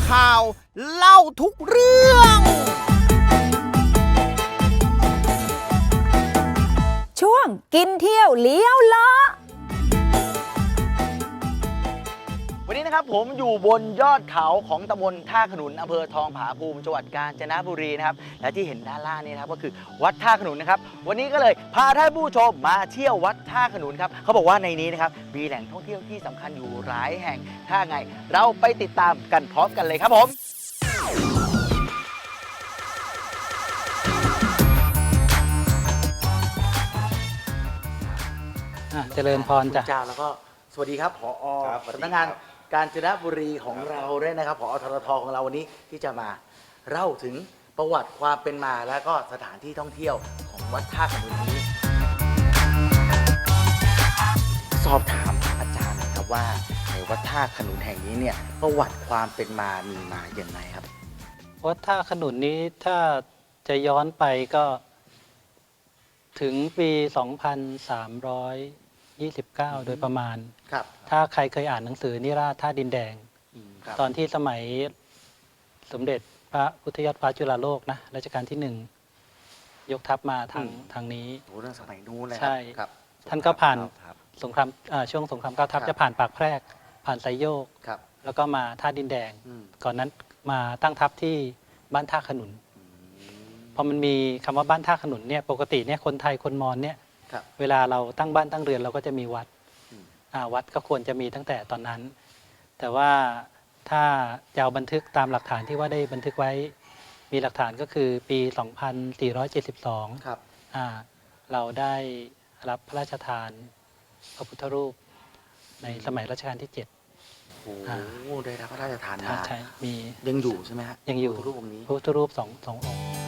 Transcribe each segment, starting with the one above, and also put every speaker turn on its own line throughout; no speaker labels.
ข่าวเล่าทุกเรื่อง
ช่วงกินเที่ยวเลี้ยวล้อ
วันนี้นะครับผมอยู่บนยอดเขาของตำบลท่าขนุนอำเภอทองผาภูมิจังหวัดกาญจนบุรีนะครับและที่เห็นด้านล่างนี้นะครับก็คือวัดท่าขนุนนะครับวันนี้ก็เลยพาท่านผู้ชมมาเที่ยววัดท่าขนุนครับเขาบอกว่าในนี้นะครับมีแหล่งท่องเที่ยวที่สำคัญอยู่หลายแห่งถ้าไงเราไปติดตามกันพร้อมกันเลยครับผม
เจริญพรจ้ะ
เจ้าแล้วก็สวัสดีครับผอ.สำนักงานกาญจนบุรีของเราด้วยนะครับผอ.ทรท.ของเราวันนี้ที่จะมาเล่าถึงประวัติความเป็นมาและก็สถานที่ท่องเที่ยวของวัดท่าขนุนนี้สอบถามอาจารย์นะครับว่าในวัดท่าขนุนแห่งนี้เนี่ยประวัติความเป็นมามีมาอย่างไรครับ
วัดท่าขนุนนี้ถ้าจะย้อนไปก็ถึงปี 2329 โดยประมาณ
ครับ
ถ้าใครเคยอ่านหนังสือนิราศท่าดินแดง
ครับ
ตอนที่สมัยสมเด็จพระพุทธยอดฟ้าจุฬาโลกนะรัชกาลที่1ยกทัพมาทางนี้
โอ้เรื่องสมัยนู้นเลย
ใช่
ครับ
ท่านก็ผ่านสงครามช่วงสงครามเก้าทัพจะผ่านปากแพรกผ่านไซโยก
ครับ
แล้วก็มาท่าดินแดง
อืม
ก่อนนั้นมาตั้งทัพที่บ้านท่าขนุนพอมันมีคำว่าบ้านท่าขนุนเนี่ยปกติเนี่ยคนไทยคนมอญเนี่ย
ครับ
เวลาเราตั้งบ้านตั้งเรือนเราก็จะมีวัด
อืม
วัดก็ควรจะมีตั้งแต่ตอนนั้น แต่ว่าถ้าจะเอาบันทึกตามหลักฐานที่ว่าได้บันทึกไว้มีหลักฐานก็คือปี 2472
ครับ
เราได้รับพระราชทานพระพุทธรูปในสมัยรัชกาลที่ 7
โอ้ได้รับพระราชทานมา
ใช่มี
ยังอยู่ใช่ไหมฮะ
ยังอยู่
พระรูปองค์นี้
พระพุทธรูปสององค์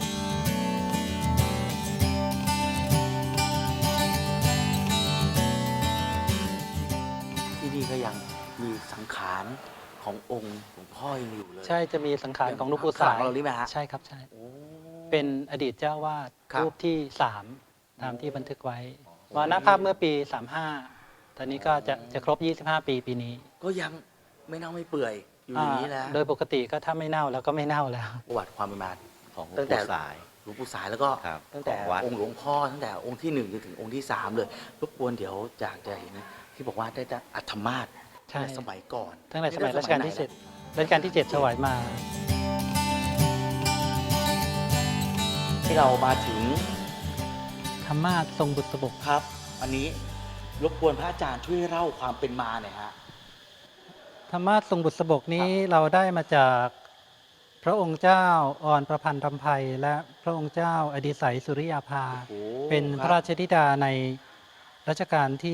ที่นี่ก็ยังมีสังขารขององค์หลวงพ่อยังอยู่เลย
ใช่จะมีสังขารของหลวงปู่สาย
ของเรานี่ไหมฮะ
ใช่ครับใช่
โอ้
เป็นอดีตเจ้าวาด
ครับ
รูปที่ 3 ตามที่บันทึกไว้มรณภาพเมื่อปี 35 ตอนนี้ก็จะครบ 25 ปีปีนี้
ก็ยังไม่เน่าไม่เปื่อยอยู่อย่างนี้แล้ว
โดยปกติก็ถ้าไม่เน่าแล้วก็ไม่เน่าแล้ว
ประวัติความเป็นมา
ของหลว
ตั้
ง
งแต่
ปู่สาย
หลวงปู่สายแล้วก็
ครับ
ตั้งแต่
ของวัด
องค์หลวงพ่อตั้งแต่องค์ที่1จนถึงองค์ที่3เลยรบกวนเดี๋ยวอยากจะเห็นที่บอกว่าได้อัฐมาศ
ใช่
ในสมัยก่อน
ตั้งแต่สมัยรัชกาลที่ 7 รัชกาลที่ 7 ถวายมา
ที่เรามาถึง
ธรรมาสทรงบุษบก
ครับ อันนี้รบกวนพระอาจารย์ช่วยเล่าความเป็นมาหน่อยฮะ
ธรรมาสทรงบุษบกนี้เราได้มาจากพระองค์เจ้าอ่อนประพันธ์รำไพและพระองค์เจ้าอดิศัยสุริยาภา
โอ้
เป็นพระราชธิดาในรัชกาลที่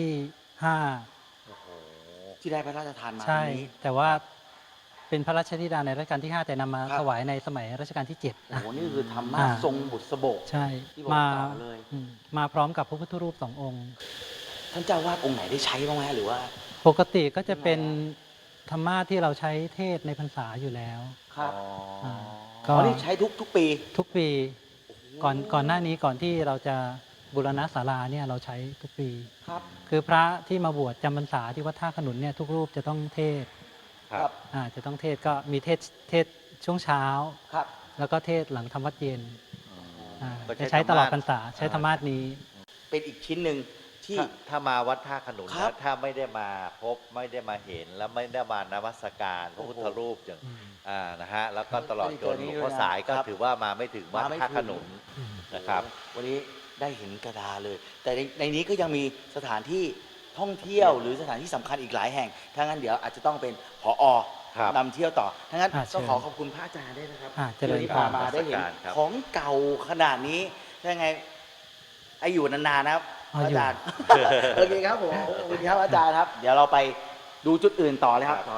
ที่ได้พระราชทานมา
5 ใช่
ตรงนี้
แต่ว่าเป็นพระราชธิดาในรัชกาลที่ 5 แต่นำมา
ครับ
ถวายในสมัยรัชกาลที่ 7
โอ้โหนี่คือธรรมะ
อ่า
ทรงบุษบก
ใช่
ที่บอก
มา
ต่อเลย
มาพร้อมกับพระพุทธรูป 2 องค์
ท่านเจ้าวาดองค์ไหนได้ใช้บ้างไหมหรือว่า
ปกติก็จะเป็นธรรมาสที่เราใช้เทศในพรรษาอยู่แล้ว
ครับ
อ่า
อ๋อนี่ใช้ทุกปี
ทุกปีก่อนหน้านี้ก่อนที่เราจะบูรณะศาลาเนี่ยเราใช้ทุกปี
ครับ
คือพระที่มาบวชจำพรรษาที่วัดท่าขนุนเนี่ยทุกรูปจะต้องเทศ
ครับ
จะต้องเทศก็มีเทศช่วงเช้า
ครับ
แล้วก็เทศหลังทำวัดเย็น
ก็
จะใช้ตลอดพรรษา
ธรรมะ
ใช้ธรรมาสนี้
เป็นอีกชิ้นหนึ่งที่
ถ้ามาวัดท่าขนุน
ครับ
นะถ้าไม่ได้มาพบไม่ได้มาเห็นแล้วไม่ได้มานมัสการพระพุทธรูปอย่างนะฮะแล้วก็ตลอดจนหลวงพ่อสายก็
ครับ
ถือว่ามาไม่ถึงวัด
มาไม่
ท่า
ถึง
ขนุนนะครับ
วันนี้ได้เห็นกระดาเลย แต่ในนี้ก็ยังมีสถานที่ท่องเที่ยวหรือสถานที่สำคัญอีกหลายแห่งถ้างั้นเดี๋ยวอาจจะต้องเป็นผอ
ครับ
นำเที่ยวต่อถ้างั้น
เชิ
ก็
ญ
ขอขอบคุณพระอาจารย์ด้วยนะครับ
เจริญ
ที่
พร
พามาได้เห็น
ครับ
ของเก่าขนาดนี้ถ้าไงไออยู่นานๆนะครับพระอาจารย์ โอเคครับผมขอบคุณครับอาจารย์ครับ เดี๋ยวเราไปดูจุดอื่นต่อเลยครับ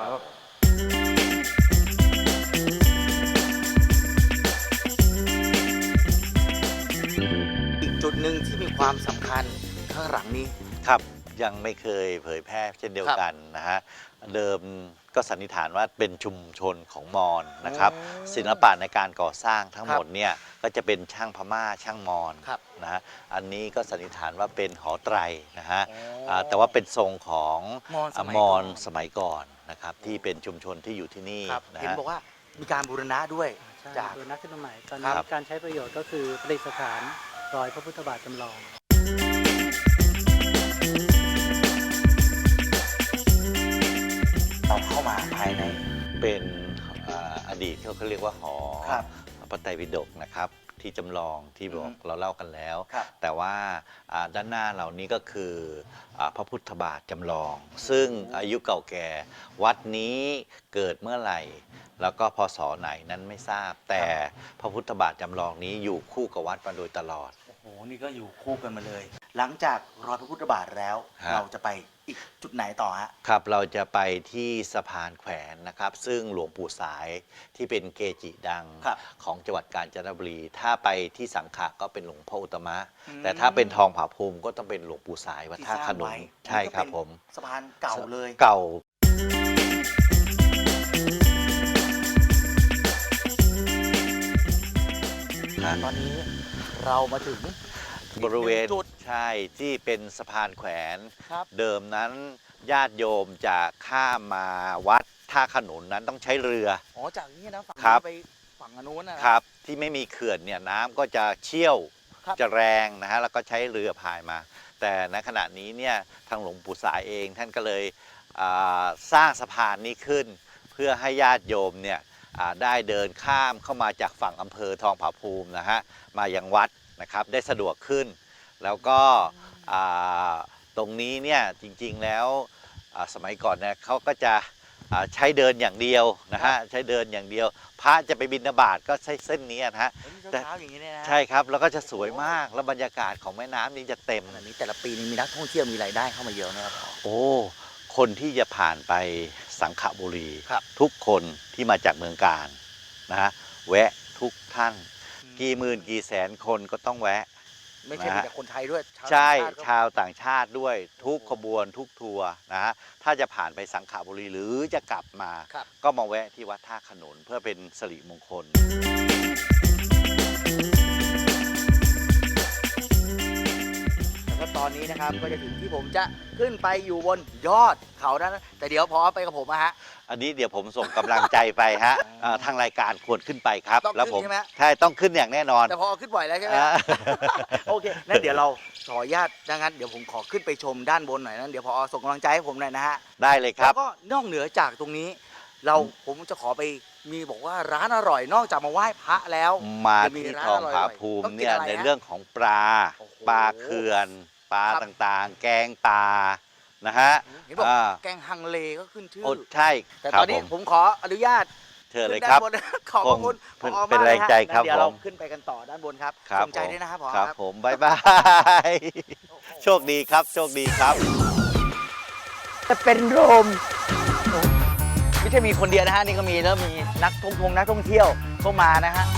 อีกจุดหนึ่งที่มีความสำคัญข้างหลังนี้
ครับยังไม่เคยเผยแพร่เช่นเดียวกันนะฮะเดิมก็สันนิษฐานว่าเป็นชุมชนของมอญนะครับ ศิลปะในการก่อสร้างทั้งหมดเนี่ยก็จะเป็นช่างพม่าช่างมอญ
ครับ
นะฮะอันนี้ก็สันนิษฐานว่าเป็นหอไตรนะฮะ
อ๋อ
แต่ว่าเป็นทรงของ
มอญสมัย
มอญ
ก่อน
สมัยก่อนนะครับที่เป็นชุมชนที่อยู่ที่นี่
ครับ
นะ
เห็น
ฮะ
บอกว่ามีการบูรณะด้วย
ใช่
จาก
ตัวนักขึ้นมาใหม่ตอน
ครั
นี้
บ
การใช้ประโยชน์ก็คือประดิษฐานรอยพระพุทธบาทจำลอง
เราเข้ามาภายใน
เป็นอดีตเขาเรียกว่าหอ
ครับ
พระไตรปิฎกนะครับที่จำลองที่บอกเราเล่ากันแล้ว
ครับ
แต่ว่าด้านหน้าเรานี้ก็คือพระพุทธบาทจำลอง ซึ่งอายุเก่าแก่วัดนี้เกิดเมื่อไหร่ แล้วก็พศไหนนั้นไม่ทราบ แต่พระพุทธบาทจำลองนี้อยู่คู่กับวัดมาโดยตลอด
โอ้โหนี่ก็อยู่คู่กันมาเลย หลังจากรอยพระพุทธบาทแล้ว
ฮะ
เราจะไปอีกจุดไหนต่อฮะ
ครับเราจะไปที่สะพานแขวนนะครับ ซึ่งหลวงปู่สายที่เป็นเกจิดัง
ครับ
ของจังหวัดกาญจนบุรี ถ้าไปที่สังขะก็เป็นหลวงพ่ออุตตมะ
อืม
แต่ถ้าเป็นทองผาภูมิก็ต้องเป็นหลวงปู่สายวัด
ที่
ท่า
สร้าง
ขนุน
ไว้
ใช่ครับ
นี่ก็เป็น
ผม
สะพานเก่าเลย
เก่า
ตอนนี้เรามาถึง
บริเวณ
จุด
ใช่ที่เป็นสะพานแขวน
ครับ
เดิมนั้นญาติโยมจะข้ามมาวัดท่าขนุนนั้นต้องใช้เรือ
อ๋อจากนี้นะฝั่ง
ครับ
นี้ไปฝั่งอนุนนะครับ
ที่ไม่มีเขื่อนเนี่ยน้ำก็จะเชี่ยว
ครับ
จะแรงนะฮะแล้วก็ใช้เรือพายมา แต่ในขณะนี้เนี่ยทางหลวงปู่สายเองท่านก็เลยสร้างสะพานนี้ขึ้น เพื่อให้ญาติโยมเนี่ยได้เดินข้ามเข้ามาจากฝั่งอำเภอทองผาภูมินะฮะมายังวัดนะครับได้สะดวกขึ้น แล้วก็ตรงนี้เนี่ยจริงๆแล้วสมัยก่อนเนี่ยเขาก็จะใช้เดินอย่างเดียวนะฮะใช้เดินอย่างเดียว พระจะไปบิณฑบาตก็ใช้เส้นนี้นะฮะ
เฮ้ยนี่
แต่
เช้าๆอย่างนี้เนี่ยนะ
ใช่ครับแล้วก็จะสวยมากแล้วบรรยากาศของแม่น้ำนี้จะเต็ม
อันนี้แต่ละปีนี้มีนักท่องเที่ยวมีรายได้เข้ามาเยอะนะครับ
โอ้คนที่จะผ่านไปสังขบุรี
ครับ
ทุกคนที่มาจากเมืองการนะฮะแวะทุกท่าน กี่หมื่นกี่แสนคนก็ต้องแวะ
ไม่ใช่มีแต่คนไทยด้วยชาว
ใช่
ต่างชาติก็
ชาวต่างชาติด้วยทุกขบวนทุกทัวร์นะฮะถ้าจะผ่านไปสังขบุรีหรือจะกลับมา
ครับ
ก็มาแวะที่วัดท่าขนุนเพื่อเป็นสิริมงคล
แล้วก็ตอนนี้นะครับก็จะถึงที่ผมจะขึ้นไปอยู่บนยอดเขานั้นแต่เดี๋ยวพอไปกับผมอะฮะ
อันนี้เดี๋ยวผมส่งกำลังใจไปฮะทางรายการควรขึ้นไปครับ
ต้องขึ้น
แล้วผม
ใช่ไหม
ใช่ต้องขึ้นอย่างแน่นอน
แต่พอขึ้นบ่อยแล้วใช่ไหม
อ่า
โอเคนั่นเดี๋ยวเราขออนุญาตดังนั้นเดี๋ยวผมขอขึ้นไปชมด้านบนหน่อยนั้นเดี๋ยวพอส่งกำลังใจให้ผมหน่อยนะฮะ
ได้เลยครั
แล้
บ
วก็นอกเหนือจากตรงนี้ ผมจะขอไปมีบอกว่าร้านอร่อยนอกจากมาไหว้พระแล้ว
มา
จะมี
ที่
ร้าน
ทอง
อร่อย
ผาภูมิ
ต้องกิน
เนี่ย
อะไร
ใน
ฮะ
เรื่องของปลา
โอ้โห
ปลาเขื่อนปลา
ครับ
ต่างๆ แกงปลานะฮะ
เห็นบอก
อ่า
แกงฮังเลก็ขึ้นชื่อ
โอ้ใช่
แต่
ครั
ต
บ
อนนี้
ผม
ผมขออนุญาต
เชิญเลย
ขึ้น
ครั
ด้า
บ
นน ขอบพระคุณ
คง
ผอ
เป็น
มาก
แรงใจครับ
เดี๋ยวเรา
ผม
ขึ้นไปกันต่อด้านบนครับ
ครับ
สนใจด้วยนะครับผอ
ครับ
ครับ
ผมบายบายโชคดีครับโชคดีครับ
จะเป็นโรม
ไม่ใช่มีคนเดียวนะฮะนี่ก็มีเริ่มมีนักท่องเที่ยวเข้ามานะฮะ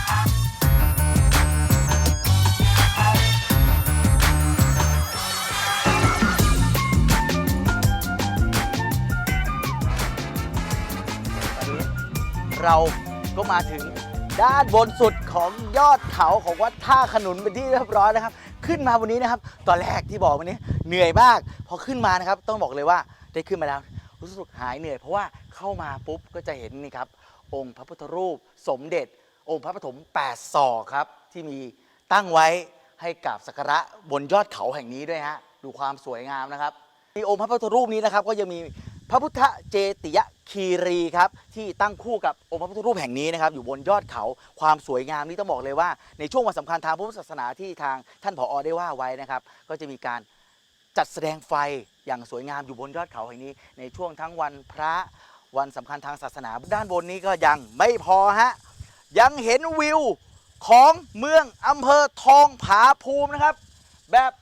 ตอนนี้เราก็มาถึงด้านบนสุดของยอดเขาของวัดท่าขนุนเป็นที่เรียบร้อยนะครับ ขึ้นมาวันนี้นะครับ ตอนแรกที่บอกวันนี้เหนื่อยมาก พอขึ้นมานะครับ ต้องบอกเลยว่าได้ขึ้นมาแล้ว รู้สึกหายเหนื่อยเพราะว่าเข้ามาปุ๊บก็จะเห็นนี่ครับ องค์พระพุทธรูปสมเด็จ องค์พระปฐม8 ศอกครับ ที่มีตั้งไว้ให้กราบสักการะบนยอดเขาแห่งนี้ด้วยฮะดูความสวยงามนะครับที่องค์พระพุทธรูปนี้นะครับก็ยังมีพระพุทธเจติยคีรีครับที่ตั้งคู่กับองค์พระพุทธรูปแห่งนี้นะครับอยู่บนยอดเขาความสวยงามนี้ต้องบอกเลยว่าในช่วงวันสำคัญทางพุทธศาสนาที่ทางท่านผอได้ว่าไว้นะครับก็จะมีการจัดแสดงไฟอย่างสวยงามอยู่บนยอดเขาแห่งนี้ในช่วงทั้งวันพระวันสำคัญทางศาสนาด้านบนนี้ก็ยังไม่พอฮะยังเห็นวิวของเมืองอำเภอทองผาภูมินะครับแบบ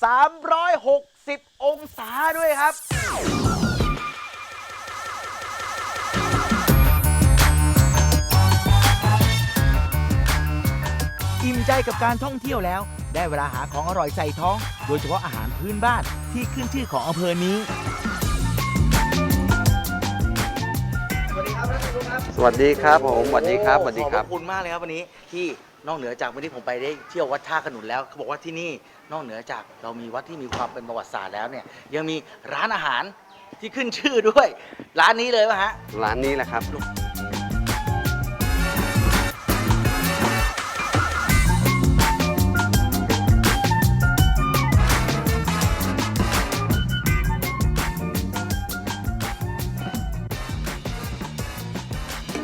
360 องศาด้วยครับ
อิ่มใจกับการท่องเที่ยวแล้ว ได้เวลาหาของอร่อยใส่ท้อง โดยเฉพาะอาหารพื้นบ้านที่ขึ้นชื่อของอำเภอนี้
สวัสดีครับท่านผู้ชมครับ
สวัสดีครับผมสวัสดีครับสวัสดีครั
ข
บ
อบคุณมากเลยครับวันนี้ที่นอกเหนือจากวันนี้ผมไปได้เที่ยววัดท่าขนุนแล้วเขาบอกว่าที่นี่นอกเหนือจากเรามีวัดที่มีความเป็นประวัติศาสตร์แล้วเนี่ยยังมีร้านอาหารที่ขึ้นชื่อด้วย ร้านนี้เลยป่ะฮะ
ร้านนี้แหละครับ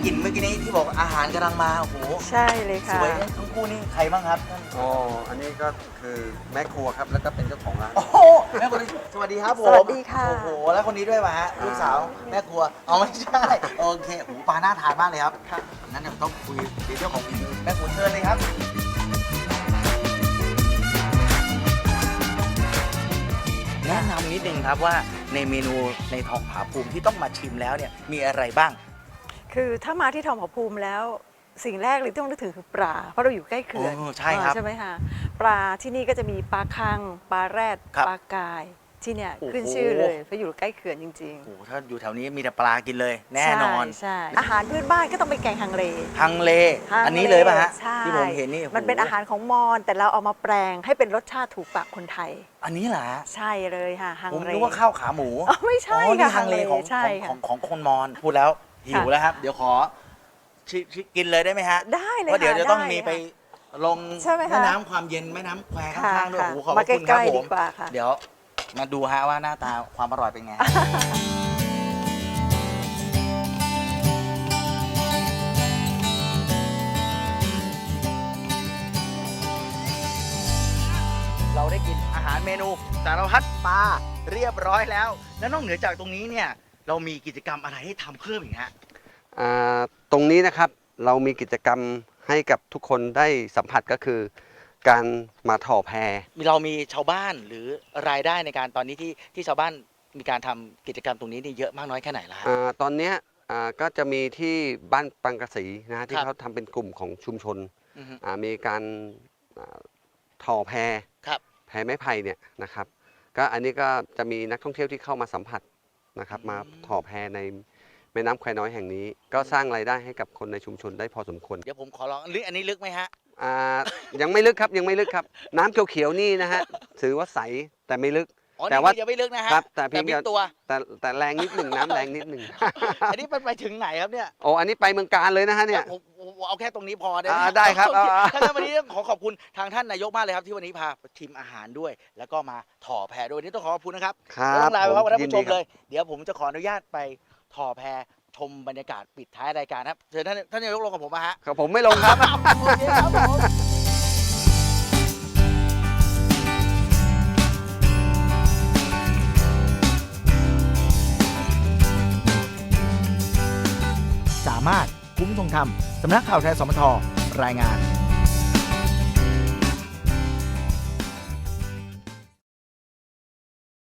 กลิ่นเมื่อกี้นี้ที่บอกอาหารกำลังมาโอ้โห
ใช่เลย
ส
ค่ะ
วยทั้งคู่นี่ใครบ้างครับท่าน
อ๋อ อันนี้ก็คือแม่ครัวครับ แล้วก็เป็นเจ้าของร้าน
โอ้โหแม่คนนี้สวัสดีครับผม
สวัสดีค่ะ
โอ้โหแล้วคนนี้ด้วยป่ะฮะลูกสาวแม่ครัวเอาไม่ใช่โอเคโอ้โหปลาน่าทานมากเลยครับงั้นเดี๋ยวต้องคุยในเรื่องของฝีมือแม่ครัวเชิญเลยครับแนะนำนิดนึงครับว่าในเมนูในทองผาภูมิที่ต้องมาชิมแล้วเนี่ยมีอะไรบ้าง
คือถ้ามาที่ทองผาภูมิแล้วสิ่งแรกเลยที่ต้องนึกถึงคือปลา เพราะเราอยู่ใกล้เขื่อน
โอ้ใช่ครับ
ใช่ไหมคะปลาที่นี่ก็จะมีปลาคังปลาแรด
ครับ
ปลากายที่เนี่ย
โอ้โห
ขึ้นชื่อเลยเพราะอยู่ใกล้เขื่อนจริง
โอ้โหถ้าอยู่แถวนี้มีแต่ปลากินเลย
ๆ
แน่นอน
ใช่อาหารพื้นบ้านก็ต้องเป็นแกงฮังเล
ฮังเล
ฮังเล
อันนี้เลยป่ะฮะ
ใช่
ที่ผมเห็นนี่โโห
มันเป็นอาหารของมอญแต่เราเอามาแปลงให้เป็นรสชาติถูกปากคนไทย
อันนี้เหรอฮะ
ใช่เลยค่ะฮัง
ผม
เล
นึกว่าข้าวขาหมู
อ๋อไม่ใช่
อ๋อนี่
ค่ะ
ฮังเลของ
ใช่
ข
ค่ะ
องของคนมอญพูดแล้วหิวแล้วครับ เดี๋ยวขอกินเลยได้ไหมฮะ
ได้เลย
เพราะเดี๋ยว
ค่ะ
จะต้อง
ได้
มีไป
ค่ะ
ลง
ใช่ไหมคะ
แม่น้ำความเย็นแม่น้ำแควข้างๆด้วย
ค่ะ
โอ้โหขอบพ
มา
ระคุณ
ใก
ครับ
ล้ๆ
ผ
ดี
ม
กว่าค่ะ
เดี๋ยวมาดูฮะว่าหน้าตาความอร่อยเป็นไง เราได้กินอาหารเมนูสารพัดปลาเรียบร้อยแล้ว แล้วนอกเหนือจากตรงนี้เนี่ยเรามีกิจกรรมอะไรให้ทำเพิ่มอีกฮะ
ตรงนี้นะครับเรามีกิจกรรมให้กับทุกคนได้สัมผัสก็คือ การมาถ่อแพ
เรามีชาวบ้านหรือรายได้ในการตอนนี้ที่ชาวบ้านมีการทำกิจกรรมตรงนี้นี่เยอะมากน้อยแค่ไหนล่ะฮะ
ตอนเนี้ยก็จะมีที่บ้านปังกะสีนะฮะที่
ครับ
เขาทำเป็นกลุ่มของชุมชน
อือฮึ
มีการถ่อแพ
ครับ
แพไม้ไผ่เนี่ยนะครับก็อันนี้ก็จะมีนักท่องเที่ยวที่เข้ามาสัมผัสนะครับมาถ่อแพในแม่น้ำแควน้อยแห่งนี้ ก็สร้างรายได้ให้กับคนในชุมชนได้พอสมควร
เดี๋ยวผมขอลองลึกอันนี้ลึกไหมฮะ
ยังไม่ลึกครับยังไม่ลึกครับ น้ำเขียวๆนี่นะฮะถือว่าใสแต่ไม่ลึก
อ๋อ
แต่
นี่
ว่า
ยังไม่ลึกนะฮะ
ครับแต่เพียง
บิ๊กตัว
แต่แรงนิดหนึ่งน้ำแรงนิดหนึ่ง
อันนี้ไปถึงไหนครับเนี่ย
โอ้อันนี้ไปเมืองการเลยนะฮะเนี่ย
ผมเอาแค่ตรงนี้พอได้ไหม
ได้ครับ
โอเ
เอา
ถ้างั้นวันนี้ต้องขอบคุณทางท่านนายกมากเลยครับที่วันนี้พาชิมอาหารด้วย แล้วก็มาถ่อแพด้วยวันนี้ต้องขอบคุณนะครับ
ครับ
แล้วต้องลาไปพร้อมกับท่าน
ยิน
ผู้ช
ดี
ม
ครับ
เลย เดี๋ยวผมจะขออนุญาตไปถ่อแพชมบรรยากาศปิดท้ายรายการครับเชิญท่านนายกลงกับผมมาฮะ
ครับผมไม่ลงครับ
โอเคครับผม
สามารถคุ้มทรงธรรมสำนักข่าวไทยสมทรายงาน